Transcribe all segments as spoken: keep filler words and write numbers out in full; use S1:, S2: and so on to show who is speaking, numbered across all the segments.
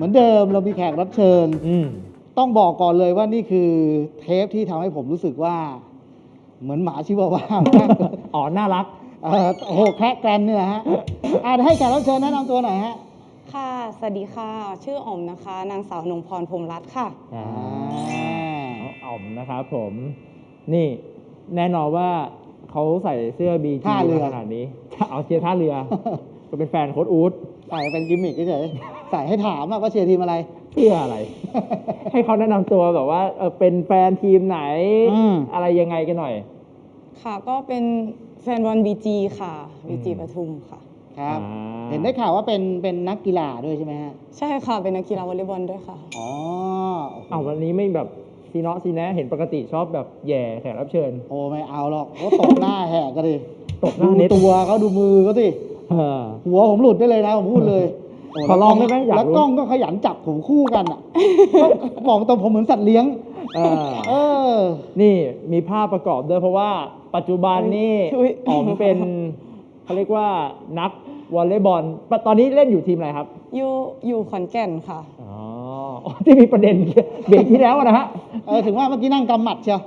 S1: มือนเดิมเรามีแขกรับเชิญ
S2: อืม
S1: ต้องบอกก่อนเลยว่านี่คือเทปที่ทำให้ผมรู้สึกว่า เหมือนหมาชิวาว่า
S2: อ๋อ น่ารัก
S1: เออโอ้โหแคระแกรนนี่แหละฮะอ่าให้แขกรับเชิญแนะนำตัวหน่อยฮะ
S3: ค่ะ สวัสดีค่ะ ชื่ออ๋อมนะคะ นางสาวนงพรพรหมรัตน์ค่ะ
S2: อ่าน้องอ๋อมนะครับผม นี่แน่นอนว่าเขาใส่เสื้อบีจี
S1: ท่าเรือ
S2: ขนาดนี้ เอาเชียร์ท่าเรือ ก็เป็นแฟนโค้ชอู๊ด
S1: ใส่เป็นกิมมิคเฉยๆใส่ให้ถามว่าเชียร์ทีมอะไร
S2: เพื่ออะไร ให้เขาแนะนำตัวแบบว่าเออเป็นแฟนทีมไหน
S1: อืม
S2: อะไรยังไงกันหน่อย
S3: ค่ะ ก็เป็นแฟนบอลบีจีค่ะ บีจี
S2: อืม
S3: ปทุมค่ะ
S1: ครับ
S2: อ่า
S1: เห็นได้ข่าวว่าเป็นเป็นนักกีฬาด้วยใช่ไหมฮะ
S3: ใช่ค่ะ เป็นนักกีฬาวอลเลย์บอลด้วยค่ะ
S1: อ๋อ
S2: เอาวันนี้ไม่แบบซีเนาะซีแนะเห็นปกติชอบแบบแย่แขกรับเชิญ
S1: โอ้ไม่เอาหรอกเขาตบหน้าแหกก็ดิ
S2: ตบหน้า
S1: ดู
S2: เน็ต
S1: ตัวเขาดูมือเขาสิ
S2: เออ
S1: หัวผมหลุดได้เลยนะผมพูดเลยโ
S2: ขอลองได้ไหมอยากรู้
S1: แล้วกล้องก็ขยันจับผมคู่กันอ่ะ บอกตรงผมเหมือนสัตว์เลี้ยง
S2: เออ
S1: เออ
S2: นี่มีภาพประกอบด้วยเพราะว่าปัจจุบันนี่
S3: อุ๊ย
S2: อ๋อมเป็นเขาเรียกว่านักวอลเลย์บอลตอนนี้เล่นอยู่ทีมอะไรครับ
S3: อยู่อยู่ขอนแก่นค่ะ
S2: อ๋ออ๋อที่มีประเด็นเบรกที่แล้วนะฮะ
S1: เออถึงว่าเมื่อกี้นั่งกำหมัดเชียว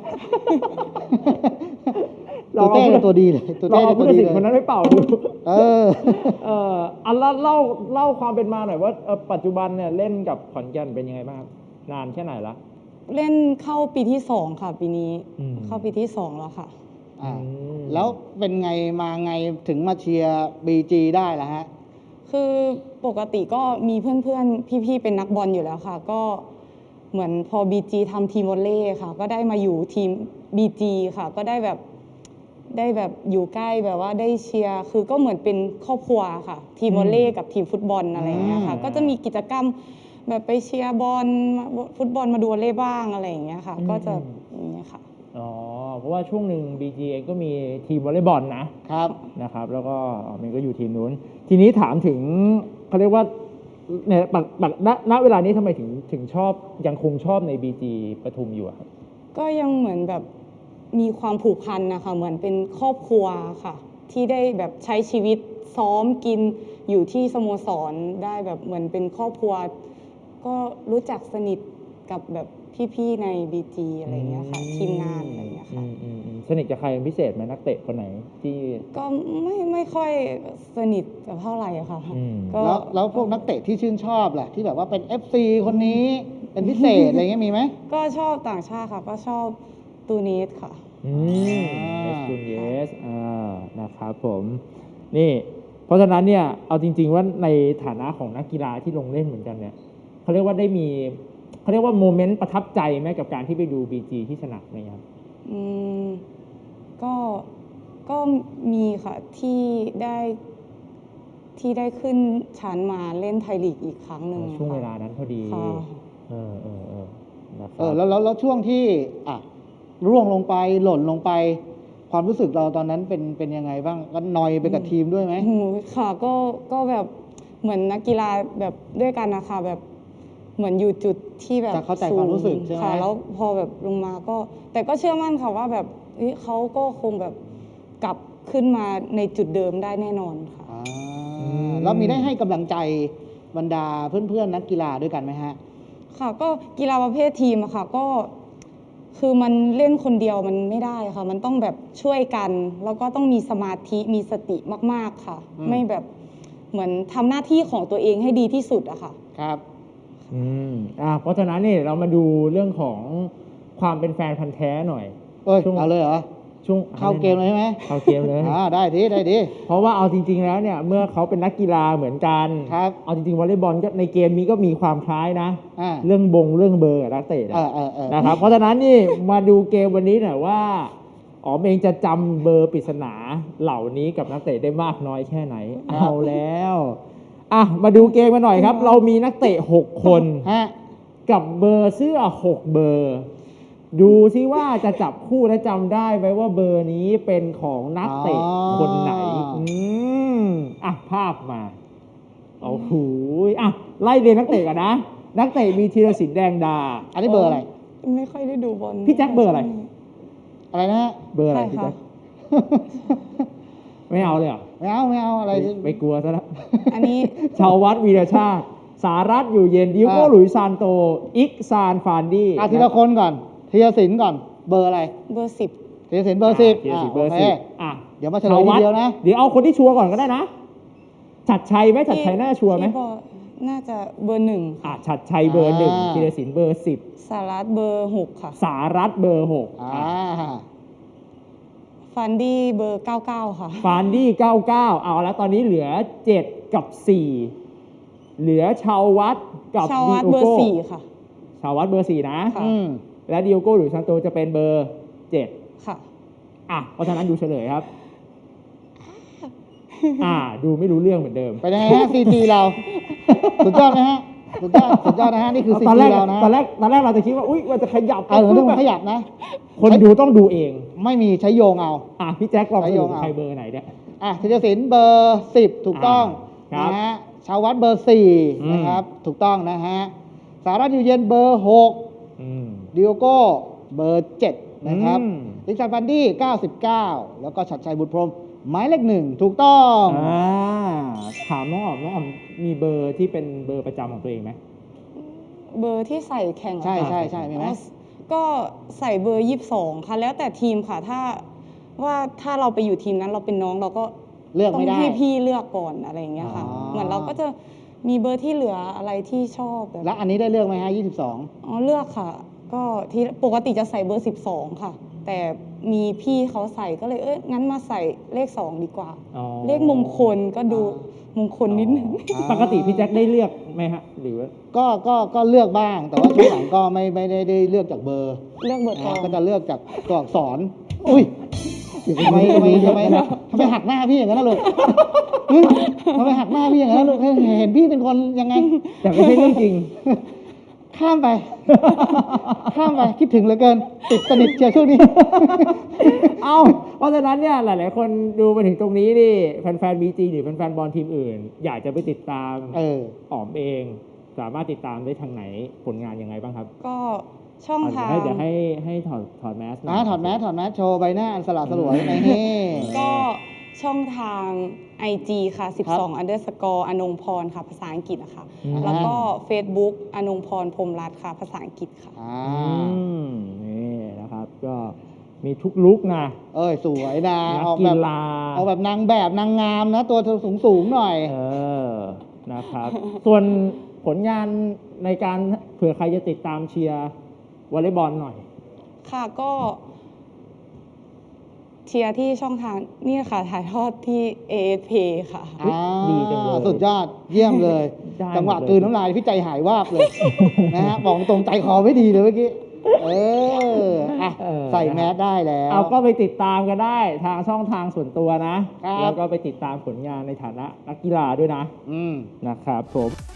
S2: ลอง
S1: ตัว
S2: เอา
S1: เต้เนี่ยตัวดีเลยตัว
S2: ลอง
S1: เต้
S2: เอา
S1: เนี่ย
S2: ผู้
S1: ตัว
S2: ตัด
S1: ดี
S2: สิน
S1: เลย
S2: คนนั้นไปเป่าดู
S1: เออ
S2: เอออันละเล่าเล่าความเป็นมาหน่อยว่าเอ่อปัจจุบันเนี่ยเล่นกับขอนแก่นเป็นยังไงบ้างครับนานแค่ไหนละ
S3: เล่นเข้าปีที่สองค่ะ ปีนี้
S2: อืม
S3: เข้าปีที่สองแล้วค่ะ
S1: อ่า
S2: อืม
S1: แล้วเป็นไงมาไงถึงมาเชียร์บีจีได้ล่ะฮะ
S3: คือปกติก็มีเพื่อนๆ พี่ๆ เป็นนักบอลอยู่แล้วค่ะ ก็เหมือนพอ บี จี ทำทีมวอลเลย์ค่ะ ก็ได้มาอยู่ทีม บี จี ค่ะ ก็ได้แบบได้แบบอยู่ใกล้แบบว่าได้เชียร์คือก็เหมือนเป็นครอบครัวค่ะ ทีมวอลเลย์กับทีมฟุตบอลอะไรอย่างเงี้ยค่ะ
S2: อืม
S3: ก็จะมีกิจกรรมแบบไปเชียร์บอลมาฟุตบอลมาดูวอลเลย์บ้างอะไรอย่างเงี้ยค่ะ ก็จะอย่างเงี้ยค่ะ
S2: อ๋อเพราะว่าช่วงหนึ่ง บี จี เองก็มีทีมวอลเลย์บอลนะ
S1: ครับ
S2: นะครับแล้วก็อ๋อมันก็อยู่ทีมนู้น ทีนี้ถามถึงเขาเรียกว่าเนี่ยปักปักณณเวลานี้ทำไมถึงถึงชอบยังคงชอบใน บี จี ปทุมอยู่อะครับ
S3: ก็ยังเหมือนแบบมีความผูกพันนะคะเหมือนเป็นครอบครัวค่ะ ที่ได้แบบใช้ชีวิตซ้อมกินอยู่ที่สโมสรได้แบบเหมือนเป็นครอบครัว ก็รู้จักสนิทกับแบบพี่ๆใน บี จี อะไรอย่างเงี้ยค่ะ ทีมงานอะไรอย่างเงี้ยค่ะ
S2: อืมอืมอืมสนิทกับใครเป็นพิเศษไหมนักเตะคนไหนที่
S3: ก็ไม่ไม่ค่อยสนิทกับเท่าไหร่อะค่ะ
S2: อืม
S3: ก็
S1: แล้วแล้วพวกนักเตะที่ชื่นชอบล่ะที่แบบว่าเป็น เอฟ ซี คนนี้เป็นพิเศษอะไรเงี้ยมีไหม
S3: ก็ชอบต่างชาติค่ะ ก็ชอบตูนิสค่ะ
S2: อืม
S1: อ่า
S2: เอสตูนเยสอ่านะครับผม นี่ เพราะฉะนั้นเนี่ย เอาจริง ๆ ว่าในฐานะของนักกีฬาที่ลงเล่นเหมือนกันเนี่ยเขาเรียกว่าได้มีเขาเรียกว่าโมเมนต์ประทับใจไหมกับการที่ไปดู บี จี ที่สนามไหมครับ
S3: อืมก็ก็มีค่ะที่ได้ที่ได้ขึ้นชั้นมาเล่นไทยลีกอีกครั้งหนึ่ง
S2: ช่วง
S3: ค่ะ
S2: เวลานั้นพอดี
S3: ค่ะ
S2: เออเออเออนะค
S1: เอ
S2: รั
S1: อบ แล้วแล้วแล้วช่วงที่อ่ะร่วงลงไปหล่นลงไป ความรู้สึกเราตอนนั้นเป็นเป็นยังไงบ้างก็นอยไปกับทีมด้วยไหม
S3: โอ้โหค่ะก็ก็แบบเหมือนนักกีฬาแบบด้วยกันนะคะแบบเหมือนอยู่จุดที่แบบ
S1: จะเข้าใจความรู้สึกใช่ไหม
S3: ค่ะแล้วพอแบบลงมาก็ แต่ก็เชื่อมั่นค่ะว่าแบบเฮ้ยเขาก็คงแบบกลับขึ้นมาในจุดเดิมได้แน่นอนค่ะ
S1: อ่า
S2: อืม
S1: แล้วมีได้ให้กำลังใจบรรดาเพื่อนๆนักกีฬาด้วยกันไหมฮะ
S3: ค่ะก็กีฬาประเภททีมอะค่ะก็คือมันเล่นคนเดียวมันไม่ได้ค่ะ มันต้องแบบช่วยกัน แล้วก็ต้องมีสมาธิมีสติมากๆค่ะ
S1: อืม
S3: ไม่แบบเหมือนทำหน้าที่ของตัวเองให้ดีที่สุดอะค่ะ
S1: ครับ
S2: อืมอ่าเพราะฉะนั้นเนี่ยเรามาดูเรื่องของความเป็นแฟนพันธ์แท้หน่อย
S1: เอ้ย
S2: ช่วง
S1: เอาเลยเหรอ
S2: ช่วง
S1: เข้าเกมเลยใช่ไหม
S2: เข้าเกมเลย
S1: อ่าได้ทีได้ที
S2: เพราะว่าเอาจริง ๆ แล้วเนี่ยเมื่อเขาเป็นนักกีฬาเหมือนกัน
S1: ครับ
S2: เอาจริงๆวอลเลย์บอลก็ในเกมนี้ก็มีความคล้ายนะ
S1: อ่า
S2: เรื่องบงเรื่องเบอร์กับนักเตะ
S1: เออเออเออ
S2: นะครับ เพราะฉะนั้นนี่มาดูเกมวันนี้หน่อยว่าอ๋อมเองจะจำเบอร์ปริศนาเหล่านี้กับนักเตะได้มากน้อยแค่ไหน เอาแล้วอ่ะมาดูเกมกันหน่อยครับ เรามีนักเตะหกคน
S1: ฮะ
S2: กับเบอร์เสื้อหกเบอร์ ดูซิว่าจะจับคู่และจำได้ไหมว่าเบอร์นี้เป็นของนักเตะคนไหน อืมอ่ะภาพมาโอ้โหอ่ะไล่เรียนนักเตะกันนะ นักเตะมีธีรศิลป์แดงดา
S1: อันนี้เบอร์อะไร
S3: ไม่ค่อยได้ดูบอล
S2: พี่แจ็คเบอร์อะไร
S1: อะไรนะฮะ
S2: เบอร์อะไร
S3: ใช่
S2: พี่
S3: ค่ะ
S2: แจ๊คไม่เอาเลยเหรอ
S1: ไม่เอาไม่เอาอะไร
S2: ไปไปกลัวซะแล้ว
S3: อันนี้
S2: ชาววัดวีรชาติสารัตอยู่เย็นดิโก้
S1: อ่า
S2: หลุยส์ซานโต อิกซานฟานดี้
S1: อ่ะทีละคนก่อนธีรศิลป์ก่อนเบอร์อะไร
S3: เบอร์สิบ
S1: ธีรศิลป์เบอร์สิบ
S2: ธีรศิลป์เบอร์
S1: โค
S2: สิบอ่ะ
S1: เดี๋ยวมาเฉลยทีเดียวนะ
S2: เดี๋ยวเอาคนที่ชัวร์ก่อนก็ได้นะ ชัดชัยไหมชัดชัยน่าชัวร์ไหม
S3: ที่บอกน่าจะเบอร์หนึ่ง
S2: อ่ะชัดชัยเบอร์หนึ่ง
S1: อ่า
S2: ธีรศิลป์เบอร์สิบ
S3: สารัตเบอร์หกค่ะ
S2: สารัตเบอร์หก
S1: อ่า
S3: ฟันดี้เบอร์เก้าเก้าค่ะ
S2: ฟานดี้เก้าเก้าเอาแล้วตอนนี้เหลือเจ็ดกับสี่เหลือชาววัดกับ
S3: ชาววัด
S2: ดิโอ
S3: เบอร์
S2: โก้
S3: สี่ค่ะ
S2: ชาววัดเบอร์สี่นะ
S3: ค่ะ
S1: อืม
S2: และดิโอโก้หรือซานโตจะเป็นเบอร์เจ็ด
S3: ค่ะ
S2: อ่ะเพราะฉะนั้นดูเฉลยครับ อ่า ดูไม่รู้เรื่องเหมือนเดิม
S1: เป็นยังไงฮะ ซี จี เรา สุดยอดไหมฮะ สุดยอด สุดยอดนะฮะ นี่คือ ซี
S2: ตอน
S1: จี
S2: แรก
S1: เรานะ
S2: ตอนแรกตอนแรกเราจะคิดว่าอุ้ยมันจะขยับ
S1: เออเรื่องมันขยับนะ
S2: คนดูต้องดูเอง
S1: ไม่มีใช้โยงเอา
S2: อ่ะพี่แจ็คลอง
S1: ใช้
S2: ส
S1: โย
S2: รุ
S1: ง
S2: ป
S1: เอา
S2: ใครเบอร์ไหนเนี่ย
S1: อ่ะธีรศิลป์เบอร์สิบถูกต้อง
S2: อ่าครับ
S1: นะฮะชาววัดเบอร์สี่
S2: อืม
S1: นะครับ ถูกต้องนะฮะ สารัตอยู่เย็นเบอร์หก
S2: อืม
S1: ดิโอโก้เบอร์เจ็ดนะครับ
S2: อืม
S1: ลิกซานฟันดี้เก้าสิบเก้าแล้วก็ชัดชัยบุตรพรหมหมายเลขหนึ่งถูกต้อง
S2: อ่าถามน้องอ๋อมน้องอ๋อมมีเบอร์ที่เป็นเบอร์ประจำของตัวเองไหม
S3: เบอร์ที่ใส่แข่งเหรอ
S1: ใช่
S3: คะ
S1: ใช่ใช่มีไหม
S3: อ๋อก็ใส่เบอร์ยี่สิบสองค่ะ แล้วแต่ทีมค่ะ ถ้าว่าถ้าเราไปอยู่ทีมนั้นเราเป็นน้องเราก็
S1: เลือก
S3: ต้อง
S1: ไม่ได้
S3: ให้พี่เลือกก่อนอะไรอย่างเงี้ยค่ะ
S1: อ๋อ
S3: เหมือนเราก็จะมีเบอร์ที่เหลืออะไรที่ชอบแบบ
S1: แล้วอันนี้ได้เลือกไหมฮะยี่สิบสอง
S3: อ๋อเลือกค่ะ ก็ที่ปกติจะใส่เบอร์สิบสองค่ะ แต่มีพี่เขาใส่ก็เลยเอ้ยงั้นมาใส่เลขสองดีกว่า
S2: อ๋อ
S3: เลขมงคลก็ดูมงคลนิดนึง
S1: อ๋อ
S2: ปกติพี่แจ็คได้เลือกไหมฮะ หรือว่า
S1: ก็ก็ก็เลือกบ้าง แต่ว่าช่วงหลังก็ไม่ไม่ได้ได้เลือกจากเบอร์
S3: เลือกเบอร์ตอ
S1: นะ
S3: ง
S1: ก็จะเลือกจากตัวอักษร อุ้ยทำไมทำไมทำไมทำไมหักหน้าพี่อย่างนั้นนะลูกหึทำไมหักหน้าพี่อย่างนั้นนะลูกเห็นพี่เป็นคนยังไง
S2: แต่ไม่ใช่เรื่องจริง
S1: ข้ามไป ข้ามไป คิดถึงเหลือเกิน ติดสนิทเชียวช่วงนี้
S2: เอ้า เพราะฉะนั้นเนี่ยหลาย ๆ คนดูมาถึงตรงนี้นี่แฟนๆบีจีหรือแฟนๆบอลทีมอื่น อยากจะไปติดตาม
S1: เออ
S2: อ๋อมเอง สามารถติดตามได้ทางไหนผลงานยังไงบ้างครับ
S3: ก็ช่อง
S2: อ่ะ
S3: ทาง
S2: เดี๋ยวให้เดี๋ยวให้ให้ถอดถอดแมสหน่
S1: อ่า
S2: อย
S1: ถอดแมสถอดแมสโชว์ใบหน้าอันสละสลวยในนี่
S3: ก็ช่องทาง ไอ จี ค่ะ สิบสอง underscore อนงพรค่ะ ภาษาอังกฤษอะค่ะ
S2: อืม
S3: แล้วก็ Facebook อนงพรพรหมรัตน์ค่ะ ภาษาอังกฤษค่ะ
S1: อ่า
S2: อืมนี่นะครับ ก็มีทุกลุกนะ
S1: เอ้ย สวยนะ
S2: นัก
S1: ออก
S2: กี
S1: แบบ
S2: ฬา
S1: ออกแบบนางแบบนางงามนะ ตัวสูงสูงๆหน่อย
S2: เออ นะครับ ส่วนผลงานในการเผื่อใครจะติดตามเชียร์วอลเลย์บอลหน่อย
S3: ค่ะก็เชียร์ที่ช่องทางนี่ค่ะ ถ่ายทอดที่ เอ เอส พี ค่ะ
S2: อุ๊ยดีจังเลย
S1: สุดยอด เยี่ยมเลย
S2: ได้
S1: จังหวะ
S2: หมดเลย
S1: กลืนน้ำลายพี่ใจหายวาบเลย นะฮะ บอกตรงใจคอไม่ดีเลยเมื่อกี้ เอออ่ะ
S2: เออ
S1: ใส่แมสได้แล้ว
S2: เอาก็ไปติดตามกันได้ทางช่องทางส่วนตัวนะ
S1: ครับ
S2: แล้วก็ไปติดตามผลงานในฐานะนักกีฬาด้วยนะ
S1: อืม
S2: นะครับผม